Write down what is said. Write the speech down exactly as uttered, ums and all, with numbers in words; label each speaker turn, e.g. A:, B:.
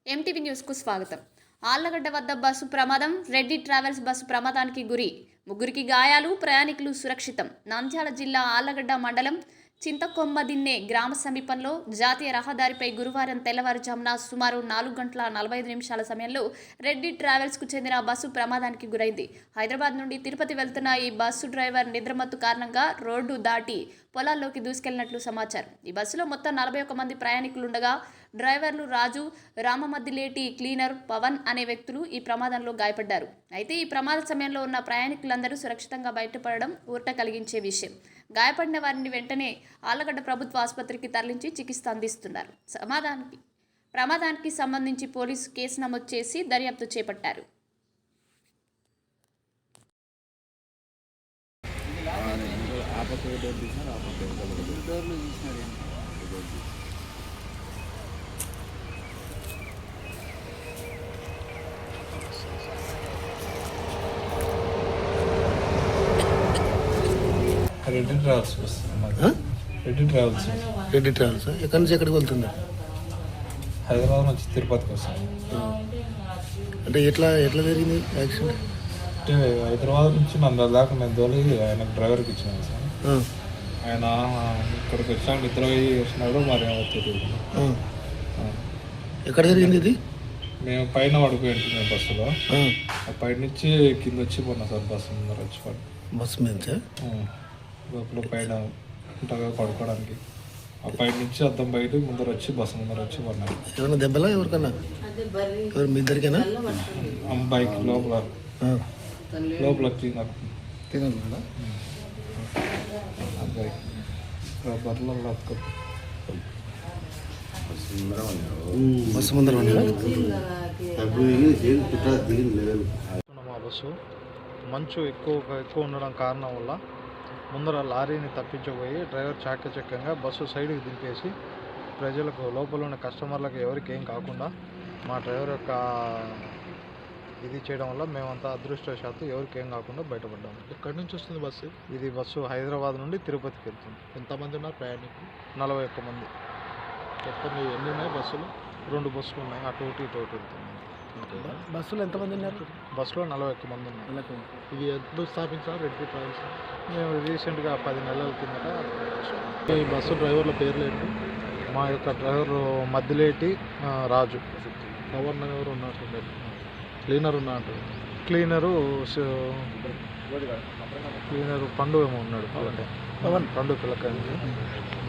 A: MTV న్యూస్కు స్వాగతం. ఆళ్లగడ్డ వద్ద బస్సు ప్రమాదం. రెడ్డి ట్రావెల్స్ బస్సు ప్రమాదానికి గురి. ముగ్గురికి గాయాలు. ప్రయాణికులు సురక్షితం. నంద్యాల జిల్లా ఆళ్లగడ్డ మండలం చింతకొమ్మదిన్నె గ్రామ సమీపంలో జాతీయ రహదారిపై గురువారం తెల్లవారుజామున సుమారు నాలుగు గంటల నలభై ఐదు నిమిషాల సమయంలో రెడ్డి ట్రావెల్స్కు చెందిన బస్సు ప్రమాదానికి గురైంది. హైదరాబాద్ నుండి తిరుపతి వెళ్తున్న ఈ బస్సు డ్రైవర్ నిద్రమత్తు కారణంగా రోడ్డు దాటి పొలాల్లోకి దూసుకెళ్లినట్లు సమాచారం. ఈ బస్సులో మొత్తం నలభై ఒక్క మంది ప్రయాణికులుండగా డ్రైవర్లు రాజు, రామమద్దిలేటి క్లీనర్ పవన్ అనే వ్యక్తులు ఈ ప్రమాదంలో గాయపడ్డారు. అయితే ఈ ప్రమాద సమయంలో ఉన్న ప్రయాణికులందరూ సురక్షితంగా బయటపడడం ఊరట కలిగించే విషయం. గాయపడిన వారిని వెంటనే ఆళ్లగడ్డ ప్రభుత్వ ఆసుపత్రికి తరలించి చికిత్స అందిస్తున్నారు. సమాధానానికి ప్రమాదానికి సంబంధించి పోలీసు కేసు నమోదు చేసి దర్యాప్తు చేపట్టారు.
B: Reddy travels Reddy travels
C: Reddy travels ఎక్కడి నుంచి ఎక్కడికి వెళ్తుంది?
B: హైదరాబాద్ నుంచి తిరుపతికి వస్తాం.
C: అంటే ఎట్లా ఎట్లా జరిగింది యాక్సిడెంట్?
B: అంటే హైదరాబాద్ నుంచి నంద్యాల దాకా నేను తోలి ఆయనకు డ్రైవర్కి ఇచ్చినాను సార్. ఆయన ఇక్కడికి వచ్చాక నిద్ర చేసినాడు, మరి ఏమో తెలియదు.
C: ఎక్కడ జరిగింది ఇది?
B: మేము పైన పడిపోయి ఉంటున్నాం బస్సులో. ఆ పైన నుంచి కింద వచ్చి పోయినా సార్, బస్సు ముందర వచ్చి పడి
C: బస్సు మీద
B: లోపల పైన ఉంటుందా పడుకోవడానికి. ఆ పైన నుంచి అద్దం బయట ముందర వచ్చి బస్సు ముందర వచ్చి పడినాడు.
C: ఎవరైనా దెబ్బలా ఎవరికన్నా? ఎవరు మీ ఇద్దరికేనా?
B: బైక్ లోపల లోపల క్లీనర్ బైక్ బర్రెల
C: బస్సు ముందర
D: మా బస్సు మంచు ఎక్కువ ఎక్కువ ఉండడం కారణం వల్ల ముందర లారీని తప్పించబోయి డ్రైవర్ చాకచక్యంగా బస్సు సైడ్కి దింపేసి ప్రజలకు లోపల ఉన్న కస్టమర్లకు ఎవరికి ఏం కాకుండా మా డ్రైవర్ యొక్క ఇది చేయడం వల్ల మేమంతా అదృష్టవశాత్తు ఎవరికి ఏం కాకుండా బయటపడ్డాము.
E: ఎక్కడి నుంచి వస్తుంది బస్సు?
D: ఇది బస్సు హైదరాబాద్ నుండి తిరుపతికి వెళ్తుంది.
E: ఎంతమంది ఉన్నారు ప్రయాణికులు?
D: నలభై ఒక్క మంది.
E: మొత్తం ఎన్ని ఉన్నాయి బస్సులు?
D: రెండు బస్సులు ఉన్నాయి, అటు ఒకటి ఇటు ఒకటి వెళ్తున్నాయి.
C: బస్సులో ఎంతమంది ఉన్నారు?
D: బస్సులో నలభై ఒక్క మంది ఉన్నారు.
E: ఇది ఎప్పుడు స్థాపించారు రెడ్డి ట్రావెల్స్?
D: మేము రీసెంట్గా పది నెలల కిందట.
E: ఈ బస్సు డ్రైవర్ల పేర్లు ఏంటి?
D: మా యొక్క డ్రైవర్ మద్దిలేటి రాజు.
E: గవర్నర్ ఎవరు ఉన్నారు? క్లీనర్ ఉన్నారు?
D: క్లీనరు క్లీనరు పండు ఏమో ఉన్నాడు. పండు పిల్లకాయ.